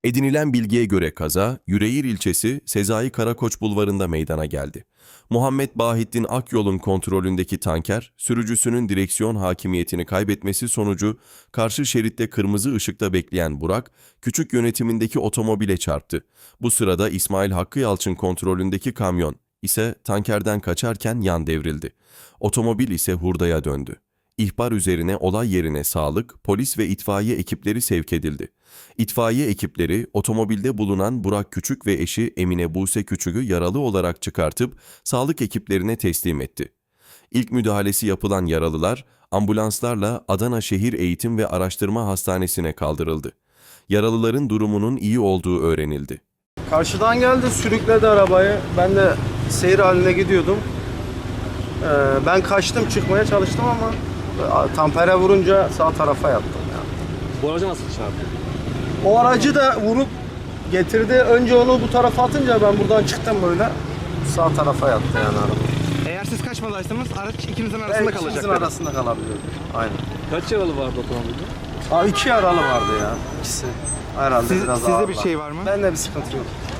Edinilen bilgiye göre kaza, Yüreğir ilçesi Sezai Karakoç bulvarında meydana geldi. Muhammed Bahittin Akyol'un kontrolündeki tanker, sürücüsünün direksiyon hakimiyetini kaybetmesi sonucu karşı şeritte kırmızı ışıkta bekleyen Burak, küçük yönetimindeki otomobile çarptı. Bu sırada İsmail Hakkı Yalçın kontrolündeki kamyon ise tankerden kaçarken yan devrildi. Otomobil ise hurdaya döndü. İhbar üzerine olay yerine sağlık, polis ve itfaiye ekipleri sevk edildi. İtfaiye ekipleri otomobilde bulunan Burak Küçük ve eşi Emine Buse Küçük'ü yaralı olarak çıkartıp sağlık ekiplerine teslim etti. İlk müdahalesi yapılan yaralılar ambulanslarla Adana Şehir Eğitim ve Araştırma Hastanesi'ne kaldırıldı. Yaralıların durumunun iyi olduğu öğrenildi. Karşıdan geldi, sürükledi arabayı. Ben de seyir haline gidiyordum. Ben kaçtım, çıkmaya çalıştım ama tampere vurunca sağ tarafa yattım. Yani. Bu aracı nasıl çarptı? O aracı da vurup getirdi. Önce onu bu tarafa atınca ben buradan çıktım böyle. Sağ tarafa yattı yani araba. Eğer siz kaçmadaysanız araç ikinizin Ben arasında ikimizin kalacaktı. arasında kalabilirdi. Aynen. Kaç yaralı vardı otomobilde? 2 yaralı vardı ya. İkisi. Herhalde biraz Sizde bir ağırlar. şey var mı? Bende bir sıkıntı yok.